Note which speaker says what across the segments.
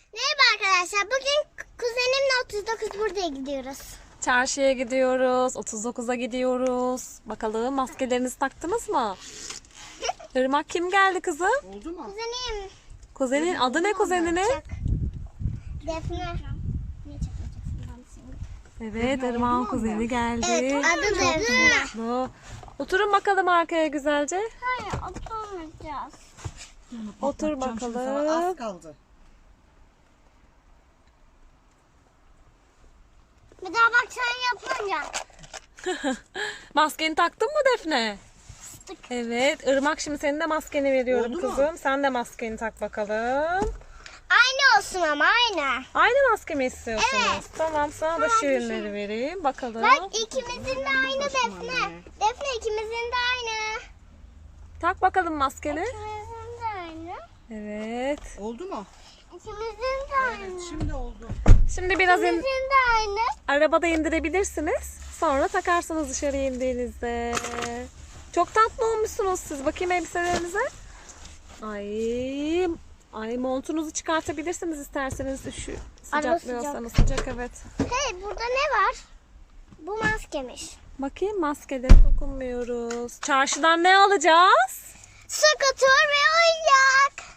Speaker 1: Merhaba arkadaşlar. Bugün kuzenimle 39 buraya gidiyoruz.
Speaker 2: Çarşıya gidiyoruz. 39'a gidiyoruz. Bakalım maskelerinizi taktınız mı? Irmak kim geldi kızım?
Speaker 3: Oldu mu?
Speaker 1: Kuzenim.
Speaker 2: Kuzenin adı ne kuzeninin?
Speaker 1: Çak. Defne. Niye çakmayacaksın ben seni?
Speaker 2: Evet, Irmak'ın kuzeni geldi.
Speaker 1: Evet, adı Defne.
Speaker 2: Mutlu. Oturun bakalım arkaya güzelce.
Speaker 1: Hayır, oturmayacağız.
Speaker 2: Otur
Speaker 3: Patlatacağım şimdi sana,
Speaker 2: bakalım.
Speaker 3: az kaldı.
Speaker 1: Bir daha bak sen yapınca.
Speaker 2: Maskeni taktın mı Defne? Evet, Irmak şimdi senin de maskeni veriyorum
Speaker 3: Oldu mu?
Speaker 2: kızım. Sen de maskeni tak bakalım.
Speaker 1: Aynı olsun ama aynı.
Speaker 2: Aynı maske mi istiyorsunuz?
Speaker 1: Evet.
Speaker 2: Tamam, sana da şirinleri vereyim. Bakalım.
Speaker 1: Bak ikimizin de aynı Defne. Defne ikimizin de aynı.
Speaker 2: Tak bakalım maskeni.
Speaker 1: İkimizin de aynı.
Speaker 2: Evet.
Speaker 3: Oldu mu?
Speaker 1: İkimizin de aynı.
Speaker 3: Evet, şimdi oldu.
Speaker 2: Şimdi biraz
Speaker 1: İkimizin de aynı.
Speaker 2: arabada indirebilirsiniz. Sonra takarsınız dışarı indiğinizde. Çok tatlı olmuşsunuz siz. Bakayım elbiselerinize. Ay montunuzu çıkartabilirsiniz isterseniz. Şu sıcaklıyorsanız sıcak evet.
Speaker 1: Hey burada ne var? Bu maskemiş.
Speaker 2: Bakayım maskeleri dokunmuyoruz. Çarşıdan ne alacağız?
Speaker 1: Skuter ve oyuncak.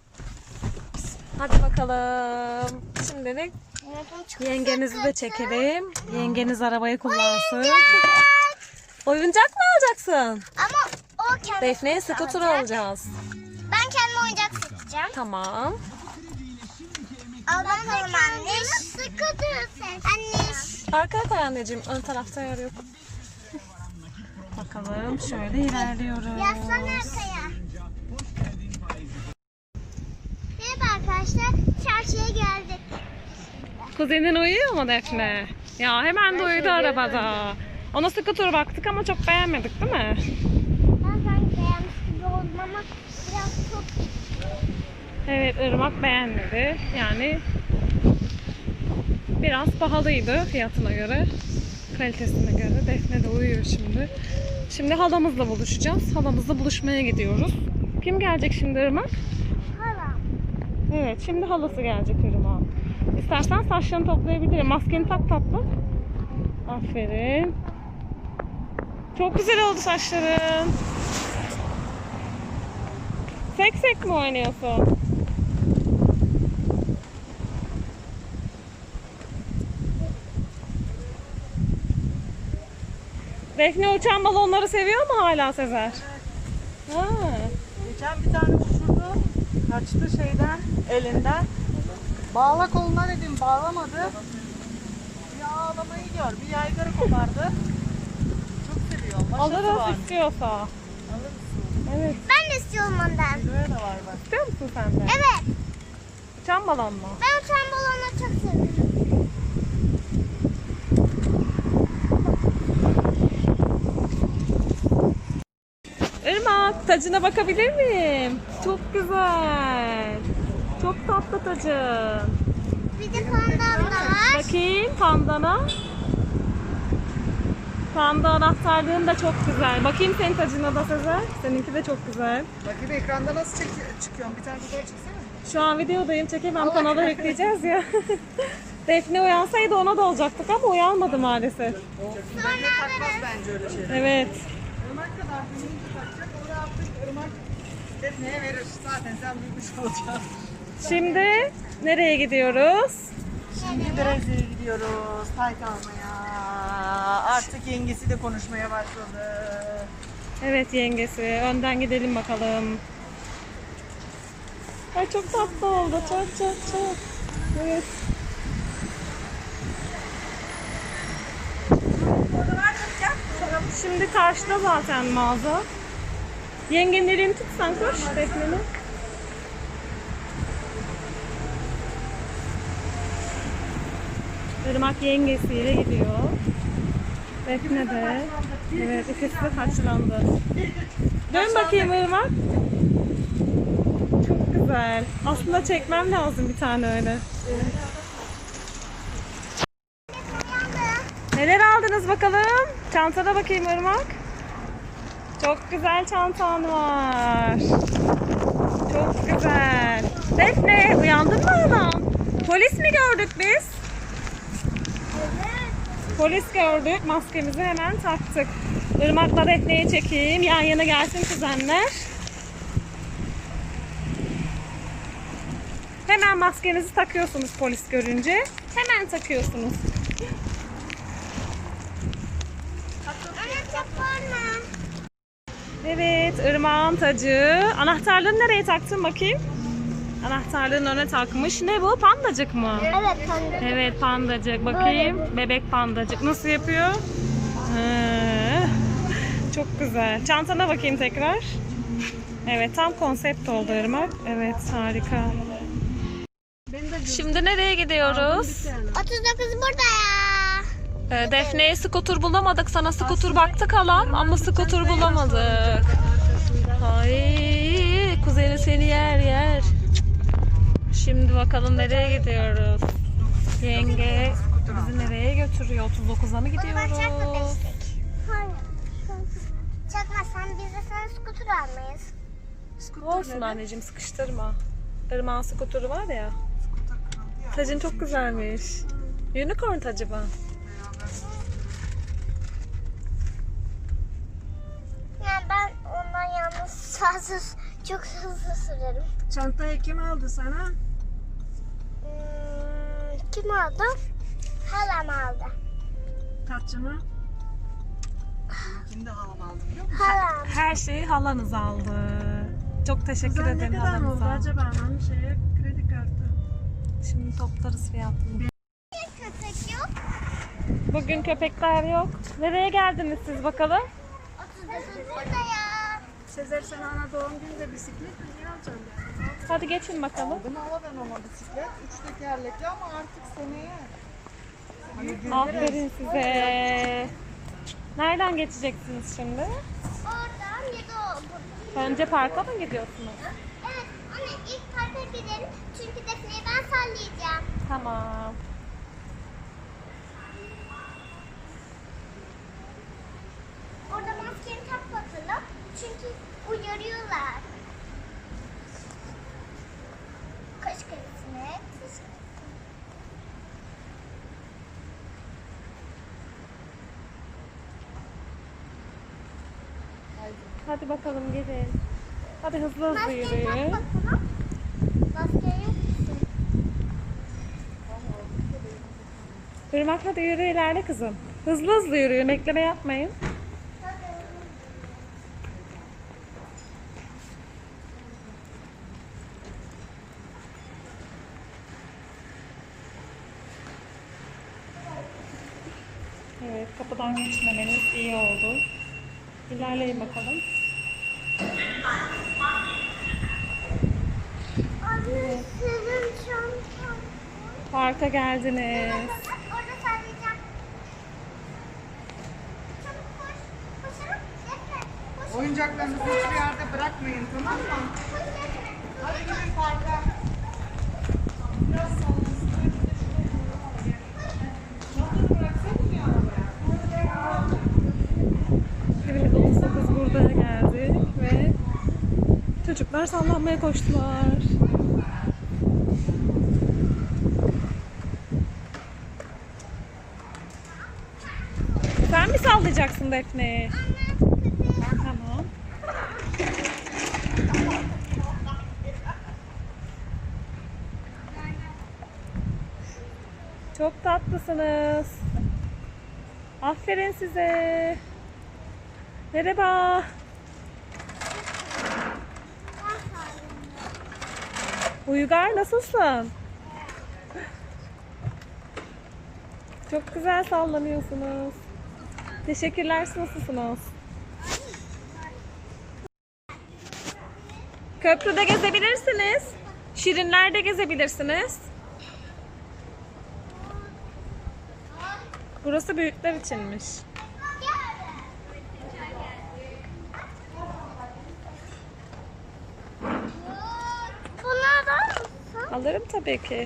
Speaker 2: Hadi bakalım. Şimdilik yengenizi de çekelim. Yengeniz arabayı kullansın. Oyuncak mı alacaksın?
Speaker 1: Ama o kendi
Speaker 2: Defne'ye skuter alacağız.
Speaker 1: Ben kendime oyuncak seçeceğim.
Speaker 2: Tamam.
Speaker 1: Al bakalım anne. Skuter seç. Anne.
Speaker 2: Arkaya koy anneciğim. Ön tarafta yer yok. Bakalım şöyle ilerliyoruz.
Speaker 1: Yaslan arkaya. Merhaba arkadaşlar. Çarşıya geldik.
Speaker 2: Kuzenin uyuyor mu Defne? Ya hemen de uyudu arabada. Ona skuter baktık ama çok beğenmedik değil mi?
Speaker 1: Ben sanki beğenmiş gibi oldum ama biraz çok...
Speaker 2: Evet, Irmak beğenmedi. Yani biraz pahalıydı fiyatına göre. Kalitesine göre. Defne de uyuyor şimdi. Şimdi halamızla buluşacağız. Halamızla buluşmaya gidiyoruz. Kim gelecek şimdi Irmak?
Speaker 1: Hala.
Speaker 2: Evet, şimdi halası gelecek Irmak. İstersen saçlarını toplayabilirim. Maskeni tak tatlı. Aferin. Çok güzel oldu saçların. Sek sek mi oynuyorsun? Defne uçan balonları seviyor mu hala Sezer? Ha.
Speaker 3: Geçen bir tane uçurdu. Kaçtı şeyden, elinden. Bağla koluna dedim, bağlamadı. Bir ağlamayı gör, bir yaygara kopardı. Çok seviyor. Maşası
Speaker 2: Alırız
Speaker 3: var.
Speaker 2: istiyorsa.
Speaker 3: Alırsın.
Speaker 2: Evet.
Speaker 1: Ben de istiyorum ondan.
Speaker 3: Böyle de var bak.
Speaker 2: İstiyor musun sen de?
Speaker 1: Evet.
Speaker 2: Uçan balon mu?
Speaker 1: Ben uçan balonu çok seviyorum.
Speaker 2: Irmak, tacına bakabilir miyim? Çok güzel. Çok tatlı tacın.
Speaker 1: Bir de pandan da var.
Speaker 2: Bakayım pandana. Panda anahtarlığın da çok güzel. Bakayım senin tacına da Sezer. Seninki de çok güzel.
Speaker 3: Bakayım ekranda nasıl çıkıyorum? Bir tane fotoğraf çeksene.
Speaker 2: Şu an videodayım. Çekemem. Kanala yükleyeceğiz ya. Defne uyansaydı ona da olacaktık ama uyanmadı maalesef.
Speaker 3: Defne takmaz bence öyle şeyler.
Speaker 2: Evet.
Speaker 3: Irmak kadar büyüyünce takacak. Onu artık Irmak Defne'ye verir. Zaten sen büyümüş olacaksın.
Speaker 2: Şimdi nereye gidiyoruz?
Speaker 3: Şimdi Brezilya'ya gidiyoruz. Tayt almaya. Artık yengesi de konuşmaya başladı.
Speaker 2: Evet yengesi. Önden gidelim bakalım. Ay çok tatlı oldu. Çok. Evet. Şimdi karşıda zaten mağaza. Yengenin elini tut sen koş. Defne'nin. Irmak yengesiyle gidiyor. Defne de. Evet ikisi de taçlandı. Dön bakayım Irmak. Çok güzel. Aslında çekmem lazım bir tane öyle. Neler aldınız bakalım? Çantada bakayım Irmak. Çok güzel çantan var. Çok güzel. Defne uyandın mı oğlum? Polis mi gördük biz?
Speaker 1: Evet.
Speaker 2: Polis gördük. Maskemizi hemen taktık. Irmak'la Defne'yi çekeyim. Yan yana gelsin kuzenler. Hemen maskenizi takıyorsunuz polis görünce. Hemen takıyorsunuz.
Speaker 1: Anne çok bağırma.
Speaker 2: Evet, Irmak'ın tacı. Anahtarlığını nereye taktın bakayım? Anahtarlığın önüne takmış. Ne bu? Pandacık mı?
Speaker 1: Evet kanka.
Speaker 2: Evet, pandacık. Bakayım. Bebek pandacık. Nasıl yapıyor? Çok güzel. Çantana bakayım tekrar. Evet, tam konsept oldu Irmak. Evet, harika. Şimdi nereye gidiyoruz?
Speaker 1: 39 burada ya.
Speaker 2: Defne'ye skuter bulamadık. Sana skuter baktık halam ama skuter bulamadık. Ay, kuzeni seni yer. Şimdi bakalım nereye gidiyoruz? Yenge bizi nereye götürüyor? 39'a mı
Speaker 1: Bunu ben çakma
Speaker 2: gidiyoruz?
Speaker 1: destek. Hayır. Çakmazsan biz de sana skuter almayız.
Speaker 2: Olsun anneciğim, sıkıştırma. Irmak'ın skuturu var ya. Tacın çok güzelmiş. Unicorn tacı mı?
Speaker 1: Yani ben ondan yalnız çok hızlı sürerim.
Speaker 3: Çantayı kim aldı sana?
Speaker 1: Kim aldı? Halam aldı.
Speaker 3: Tarçını. Kim de halam aldı biliyor musun?
Speaker 1: Halam.
Speaker 2: Her şeyi halanız aldı. Çok teşekkür
Speaker 3: Kızlar ne
Speaker 2: ederim
Speaker 3: kadar oldu
Speaker 2: halanıza.
Speaker 3: acaba? Hani kredi kartı.
Speaker 2: Şimdi toplarız fiyatını.
Speaker 1: Köpek yok.
Speaker 2: Bugün köpekler yok. Nereye geldiniz siz bakalım?
Speaker 1: 39 burada ya.
Speaker 3: Sezer sen ana doğum gününde bisiklet mi? Niye alacaksın ya?
Speaker 2: Hadi geçin bakalım.
Speaker 3: Aldım hala ben ona bisiklet. 3 tekerlekli ama artık seneye.
Speaker 2: Aferin size. Nereden geçeceksiniz şimdi?
Speaker 1: Oradan ya da buradan.
Speaker 2: Önce parka mı gidiyorsunuz?
Speaker 1: Evet anne ilk parka gidelim. Çünkü Defne'yi ben sallayacağım.
Speaker 2: Tamam.
Speaker 1: Orada maskeni tak bakalım. Çünkü uyarıyorlar. Kaş kırısını.
Speaker 2: Hadi bakalım gelin. Hadi hızlı hızlı
Speaker 1: Maskeni tak
Speaker 2: yürüyün.
Speaker 1: bakalım. Maskeni yok musun?
Speaker 2: Irmak hadi yürü ilerle kızım. Hızlı hızlı yürüyün. Bekleme yapmayın. Evet, kapıdan geçmemeniz iyi oldu. İlerleyin bakalım.
Speaker 1: Anne senin çantan.
Speaker 2: Parka geldiniz.
Speaker 1: Orada sallayacağım. Çabuk koş. Koşalım. Defne. Koş.
Speaker 3: Oyuncaklarınızı hiçbir yerde bırakmayın, tamam mı?
Speaker 1: Koş Defne.
Speaker 3: Hadi gidin parka. Biraz
Speaker 2: Evet, 39 burada geldik ve çocuklar sallanmaya koştular. Sen mi sallayacaksın Defne'yi? Tamam. Çok tatlısınız. Aferin size. Merhaba. Uygar nasılsın? Çok güzel sallanıyorsunuz. Teşekkürler, nasılsınız? Köprüde gezebilirsiniz. Şirinler'de gezebilirsiniz. Burası büyükler içinmiş.
Speaker 1: Bunlardan mısın?
Speaker 2: Alırım tabii ki.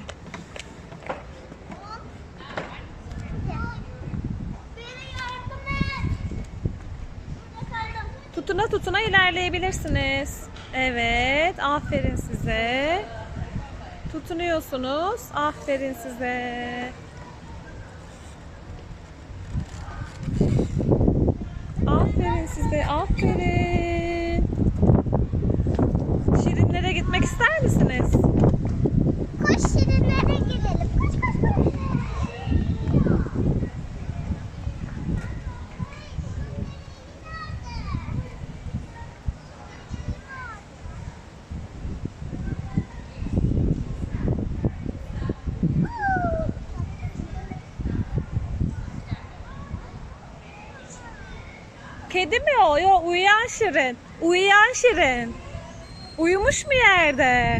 Speaker 1: Beni yardım et. Burada kaldım.
Speaker 2: Tutuna tutuna ilerleyebilirsiniz. Evet, aferin size. Tutunuyorsunuz. Aferin size. Aferin size. Aferin. Şirinlere gitmek ister misiniz?
Speaker 1: Koş şirinlere gidelim. Koş koş koş.
Speaker 2: Kedi mi o? Yo, uyuyan Şirin. Uyuyan Şirin. Uyumuş mu yerde?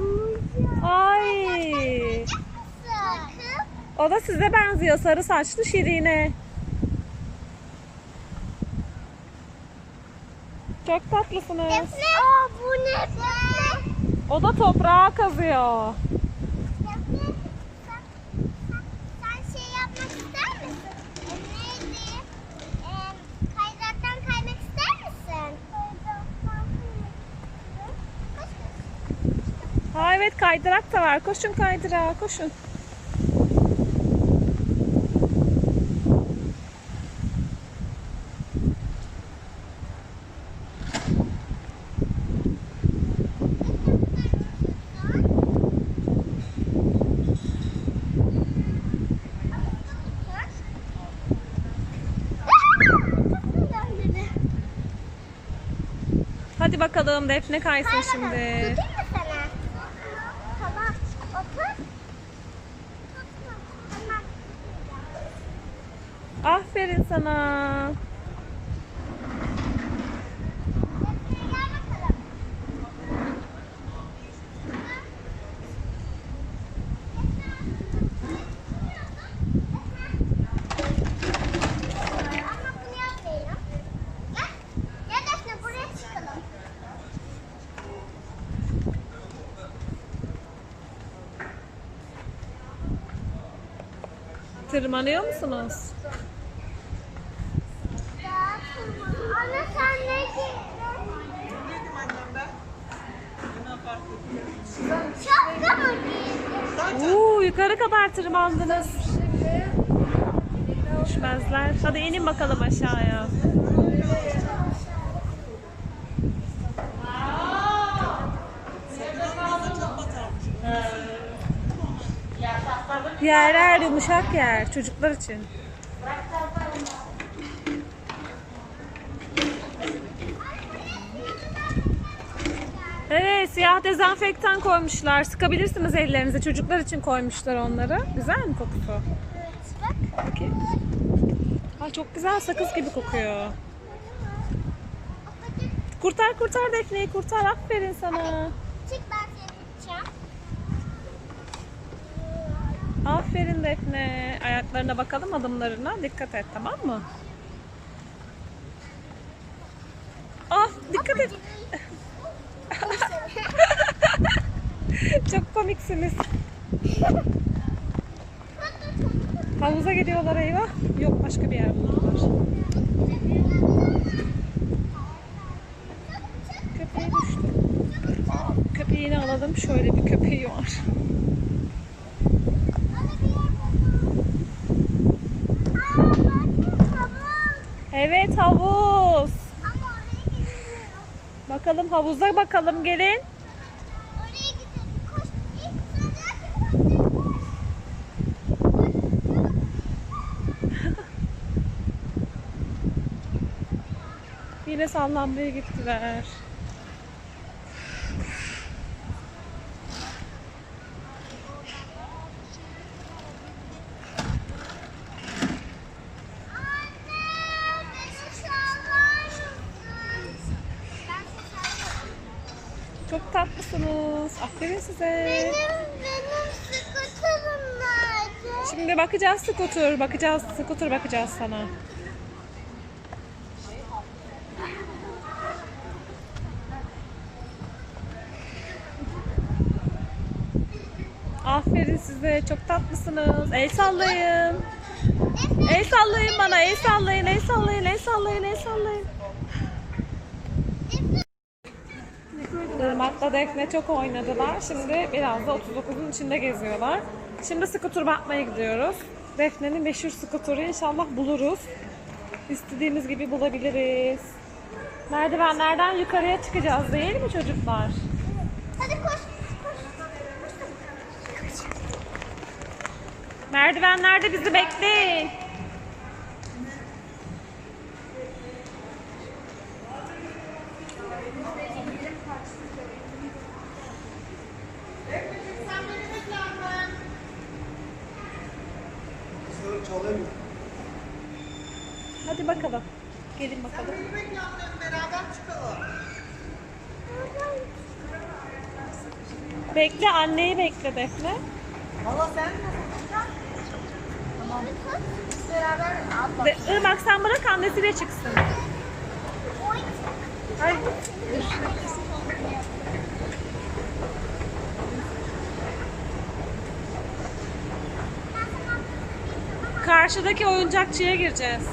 Speaker 2: Ay.
Speaker 1: Sakın.
Speaker 2: O da size benziyor. Sarı saçlı Şirine. Çok tatlısınız.
Speaker 1: Defne. Aa bu ne? Defne.
Speaker 2: O da toprağa kazıyor.
Speaker 1: Defne. Sen şey yapmak ister misin? Neydi? Kaydıraktan kaymak ister misin? Koş koş.
Speaker 2: Ha evet, kaydırak da var. Koşun kaydırağa, koşun. Hadi bakalım, Defne kaysın şimdi.
Speaker 1: Tutayım mı sana? Tamam. Otur. Tutma. Tamam.
Speaker 2: Aferin sana.
Speaker 1: Gel bakalım. Ama bunu yapmayalım. Gel. Gel Defne buraya çıkalım.
Speaker 2: Tırmanıyor musunuz?
Speaker 1: Anne sen ne Şapka mı giydin?
Speaker 2: Yukarı kadar tırmandınız. Düşmezler. Hadi inin bakalım aşağıya. Yerler yumuşak yer çocuklar için. Evet, siyah dezenfektan koymuşlar. Sıkabilirsiniz ellerinize. Çocuklar için koymuşlar onları. Güzel mi kokusu?
Speaker 1: Evet bak.
Speaker 2: Bakayım. Ha, çok güzel, sakız gibi kokuyor. Kurtar kurtar Defne'yi, kurtar. Aferin sana.
Speaker 1: Çık ben seni tutacağım.
Speaker 2: Aferin Defne. Ayaklarına bakalım, adımlarına. Dikkat et, tamam mı? Ah, dikkat et. Çok komiksiniz. Havuza gidiyorlar, eyvah. Yok, başka bir yer buldular. Köpeği düştü. Köpeğini alalım. Şöyle bir köpeği var. Evet, havuz. Bakalım havuza bakalım, gelin.
Speaker 1: Oraya gidelim. Koş. İlk
Speaker 2: Yine sallanmaya gittiler. Çok tatlısınız. Aferin size.
Speaker 1: Benim skuterim nerede?
Speaker 2: Şimdi bakacağız skuter. Bakacağız skuter, bakacağız sana. Aferin size. Çok tatlısınız. El sallayın. El sallayın bana. El sallayın. El sallayın. El sallayın. El sallayın. Irmak Murat'la Defne çok oynadılar. Şimdi biraz da 39'un içinde geziyorlar. Şimdi skuter bakmaya gidiyoruz. Defne'nin meşhur skuturu inşallah buluruz. İstediğimiz gibi bulabiliriz. Merdivenlerden yukarıya çıkacağız değil mi çocuklar?
Speaker 1: Hadi koş.
Speaker 2: Merdivenlerde bizi bekleyin. Hadi bakalım. Gelin bakalım.
Speaker 3: Beraber çıkalım.
Speaker 2: Bekle, anneyi bekle Defne.
Speaker 3: Valla sen mi?
Speaker 1: Beraber atla.
Speaker 2: Irmak sen bırak annesiyle çıksın.
Speaker 3: Ay.
Speaker 2: Karşıdaki oyuncakçıya gireceğiz.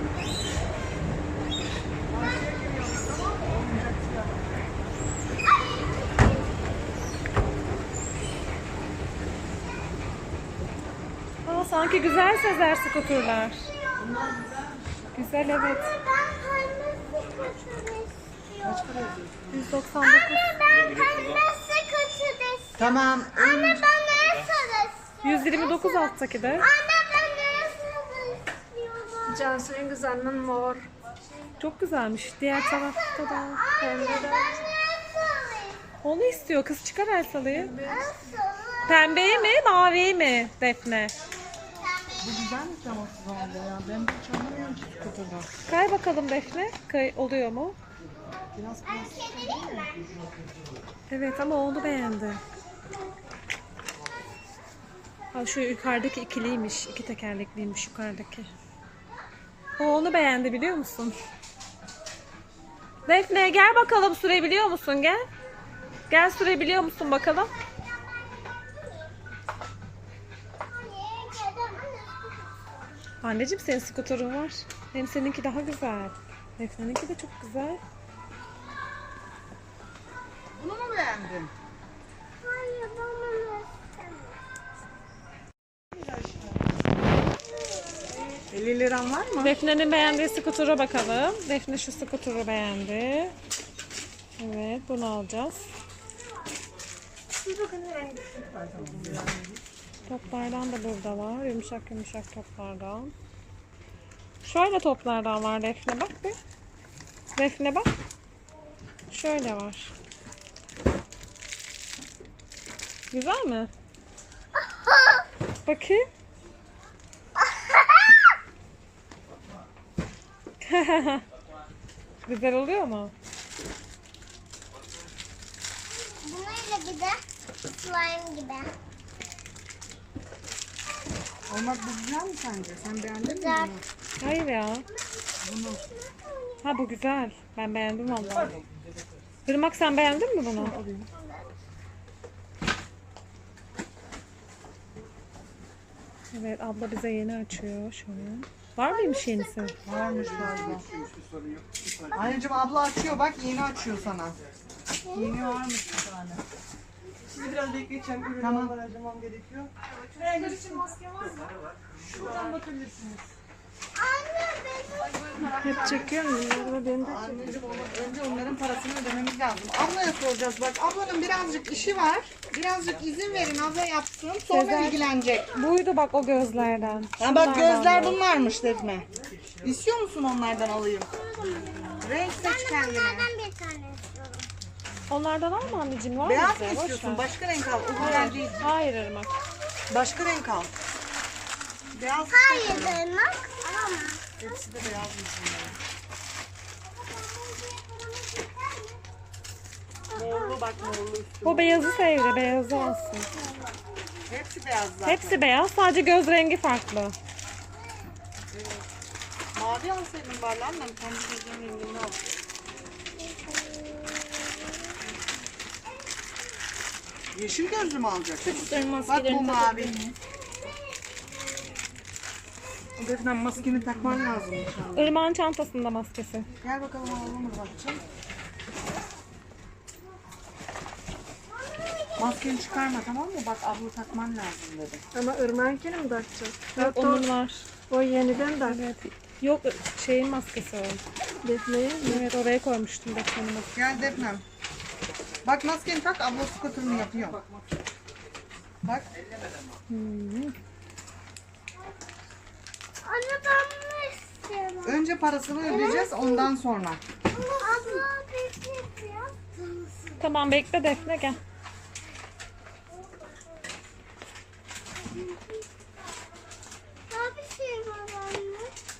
Speaker 2: Aa, sanki güzel Sezer skuterler. Güzel evet.
Speaker 1: Ben pembe skuter istiyorum.
Speaker 2: 199.
Speaker 1: Anne ben pembe skuter istiyorum.
Speaker 3: Tamam.
Speaker 1: Anne ben ne sarı istiyorum?
Speaker 2: 129 alttaki de.
Speaker 1: Anne ben ne sarı istiyorum?
Speaker 4: Cansu en güzelinin mor.
Speaker 2: Çok güzelmiş. Diğer tarafta da.
Speaker 1: Anne ben ne sarı
Speaker 2: Onu istiyor. Kız çıkar Elsal'ıyı.
Speaker 1: istiyorum?
Speaker 2: Pembeyi mi, maviyi mi Defne?
Speaker 3: Bu güzelmiş ama şu anda ya. Ben hiç anlamıyorum ki skuterdan.
Speaker 2: Kay bakalım Defne. Kay oluyor mu?
Speaker 3: Biraz
Speaker 1: Çevireyim mi?
Speaker 2: Evet ama onu beğendi. Ha, şu yukarıdaki ikiliymiş. İki tekerlekliymiş yukarıdaki. O onu beğendi biliyor musun? Defne gel bakalım sürebiliyor musun? Gel. Gel sürebiliyor musun bakalım? Anneciğim senin skuterun var. Hem seninki daha güzel. Defne'ninki de çok güzel.
Speaker 3: bunu mu beğendin?
Speaker 1: Hayır ben bunu istemiyorum.
Speaker 3: 50 liran var mı?
Speaker 2: Defne'nin beğendiği skutura bakalım. Defne şu skuturu beğendi. Evet bunu alacağız. Toplardan da burada var. Yumuşak yumuşak toplardan. Şöyle toplardan var Defne bak bir. Defne bak. Şöyle var. Güzel mi? Bakayım. Güzel oluyor mu?
Speaker 1: Bununla bir de slime gibi.
Speaker 3: Olmak bu güzel mi sence? Sen beğendin mi
Speaker 1: Güzel.
Speaker 3: bunu?
Speaker 2: Hayır ya.
Speaker 3: Bunu.
Speaker 2: Ha bu güzel. Ben beğendim vallahi. Irmak sen beğendin mi bunu? Evet abla bize yeni açıyor şu an. Var mıymış yenisi?
Speaker 3: Varmış galiba. Anneciğim abla açıyor bak yeni açıyor sana. Yeni varmış bir tane.
Speaker 5: Sizi biraz bekleyeceğim. Ürünü
Speaker 3: Tamam.
Speaker 5: harcamam gerekiyor. Rengar için maske var mı? Şuradan bakabilirsiniz.
Speaker 1: Anne benim.
Speaker 2: Hep çekiyorum.
Speaker 3: Anneciğim önce onların parasını ödememiz lazım. Ablaya soracağız bak. Ablanın birazcık işi var. Birazcık izin verin abla yapsın. Sonra
Speaker 2: Sezer.
Speaker 3: ilgilenecek.
Speaker 2: Buydu bak o gözlerden.
Speaker 3: Ha bak
Speaker 2: Şunlardan
Speaker 3: gözler
Speaker 2: da.
Speaker 3: bunlarmış Defne. İstiyor musun onlardan alayım? Renk seç kendine.
Speaker 1: Bunlardan bir tane istiyorum.
Speaker 2: Onlardan alma anneciğim var
Speaker 3: Beyaz
Speaker 2: bize,
Speaker 3: mı
Speaker 2: boş
Speaker 3: istiyorsun?
Speaker 2: ver.
Speaker 3: Başka renk al. O güzel değil.
Speaker 2: Hayır Irmak.
Speaker 3: Başka renk al. Beyaz
Speaker 1: Hayır demek. Ama.
Speaker 3: hepsi de beyazmış bunların. Morlu bak morlu üstü.
Speaker 2: O beyazı sevdi. Beyazı alsın.
Speaker 3: Hepsi beyaz zaten.
Speaker 2: Hepsi beyaz. Sadece göz rengi farklı.
Speaker 3: Mavi alsaydın bari lan ben kendi gözümün rengini al. Yeşil gözlü mü alacaksın? Bak bu mavi. Defne maskeni takman lazım inşallah.
Speaker 2: Irmak'ın çantasında maskesi.
Speaker 3: Gel bakalım alalım bakacağım. Maskeni çıkarma, tamam mı? Bak abla takman lazım dedi.
Speaker 4: Ama Irmak'ınkini mi takacağım?
Speaker 2: Yok, onun var.
Speaker 4: O yeniden tak.
Speaker 2: Evet. Yok, şeyin maskesi o.
Speaker 4: Defne'ye.
Speaker 2: Evet, oraya koymuştum Defne'nin maskesi.
Speaker 3: Gel Defnem. Bak maskeni tak, abla skuterını yapıyor. Bak.
Speaker 1: Anne ben bunu istiyorum.
Speaker 3: Önce parasını ödeyeceğiz, ondan sonra.
Speaker 1: Abla Defne yapıyor.
Speaker 2: Tamam, bekle Defne, gel.
Speaker 1: Daha bir şey var anne.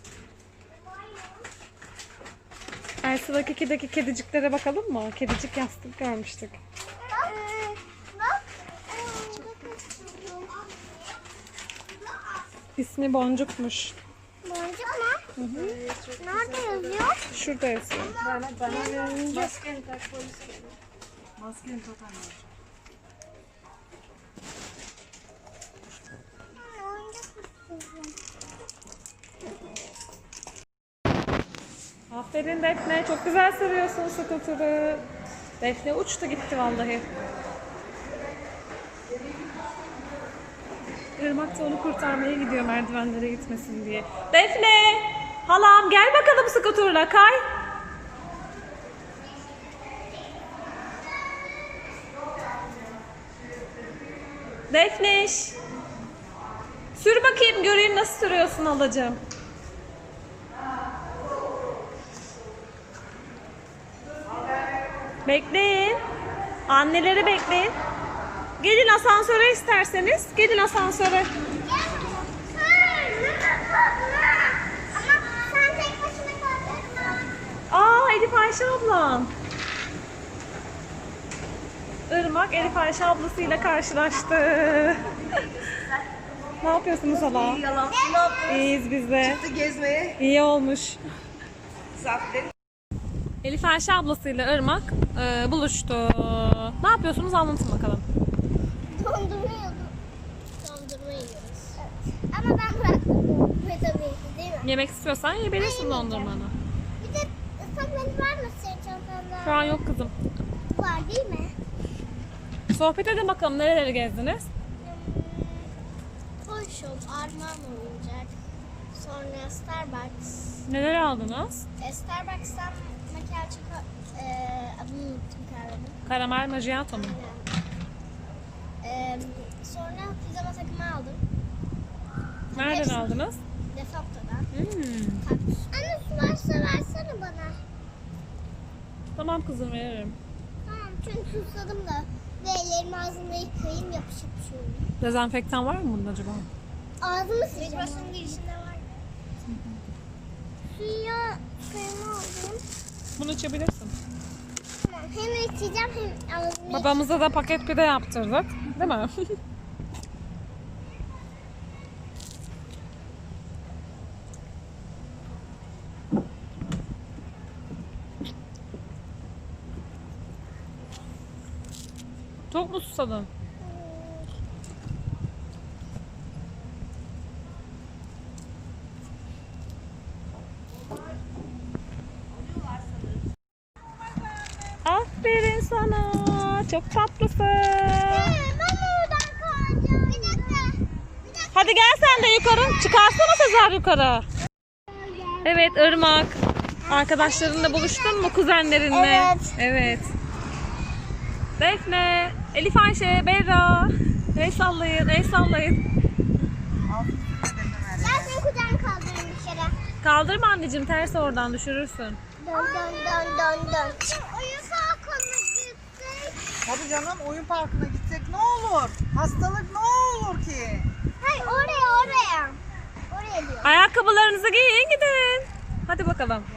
Speaker 2: Elsa'daki 2'deki kediciklere bakalım mı? Kedicik yastık görmüştük.
Speaker 1: Bak. Bak.
Speaker 2: İsmi Boncuk'muş.
Speaker 1: Boncuk mu? Nerede yazıyor?
Speaker 2: Şurada yazıyor.
Speaker 4: Maskeni tak polis gelir.
Speaker 3: Maskeni tak anne.
Speaker 1: Oyuncak istiyorum.
Speaker 2: Aferin Defne, çok güzel sürüyorsun skuturu. Defne uçtu gitti vallahi. Irmak da onu kurtarmaya gidiyor merdivenlere gitmesin diye. Defne! Halam gel bakalım skuturla kay. Defneş! Sür bakayım, göreyim nasıl sürüyorsun halacığım. Bekleyin. Anneleri bekleyin. Gelin asansöre isterseniz. Gelin asansöre.
Speaker 1: Ama sen tek başına kaldırma.
Speaker 2: Aa, Elif Ayşe ablam. Irmak Elif Ayşe ablasıyla karşılaştı. Ne yapıyorsunuz hala?
Speaker 3: Yalan.
Speaker 2: İyiyiz biz de.
Speaker 3: Gezmeye.
Speaker 2: İyi olmuş.
Speaker 3: Zafer.
Speaker 2: Elif Ayşe ablasıyla Irmak buluştu. Ne yapıyorsunuz, anlatın bakalım.
Speaker 1: Dondurma yiyordum. Dondurma yiyoruz. Evet. Ama ben bıraktım. Ve tabii ki değil mi?
Speaker 2: Yemek istiyorsan yiyebilirsin dondurmanı.
Speaker 1: Bir de ıslak mendil var mı senin çantanda?
Speaker 2: Şu an yok kızım.
Speaker 1: Var değil mi?
Speaker 2: Sohbet edin bakalım, nereleri gezdiniz?
Speaker 1: Toyshop, Armağan oyuncak. Sonra Starbucks.
Speaker 2: Neler aldınız?
Speaker 1: Starbucks'tan makyaj adını unuttum kahvenin.
Speaker 2: Karamel macchiato mu?
Speaker 1: Sonra pijama takımı aldım.
Speaker 2: Nereden
Speaker 1: Hepsi.
Speaker 2: aldınız?
Speaker 1: Defapto'dan.
Speaker 2: Hmm.
Speaker 1: Anne su varsa versene bana.
Speaker 2: Tamam kızım, veririm.
Speaker 1: Tamam çünkü susadım da. Ve ellerimi ağzımda yıkayayım yapışıp şu.
Speaker 2: Dezenfektan var mı bunun acaba?
Speaker 1: Ağzımı sileceğim. Başının girişinde var. Suya kremi aldım.
Speaker 2: Bunu içebilirsin.
Speaker 1: Tamam hem içeceğim hem ağzımı
Speaker 2: Babamıza da paket pide yaptırdık. Değil mi? Çok mu susadın? Aferin sana. Çok tatlısın.
Speaker 1: Ben oradan kalacağım. Bir dakika.
Speaker 2: Hadi gel sen de yukarı. Çıkarsana Sezer yukarı. Evet Irmak. Arkadaşlarınla buluştun mu, kuzenlerinle?
Speaker 1: Evet.
Speaker 2: Evet. Defne, Elif Ayşe, Berra. El sallayın, el sallayın.
Speaker 1: Ben senin kucağını kaldırayım dışarı.
Speaker 2: Kaldırma anneciğim, ters oradan düşürürsün.
Speaker 1: Dön dön dön dön dön. Oyun salonuna gitsek.
Speaker 3: Tabii canım, oyun parkına gitsek ne olur? Hastalık ne olur ki?
Speaker 1: Hayır oraya. Oraya diyor.
Speaker 2: Ayakkabılarınızı giyin gidin. Hadi bakalım.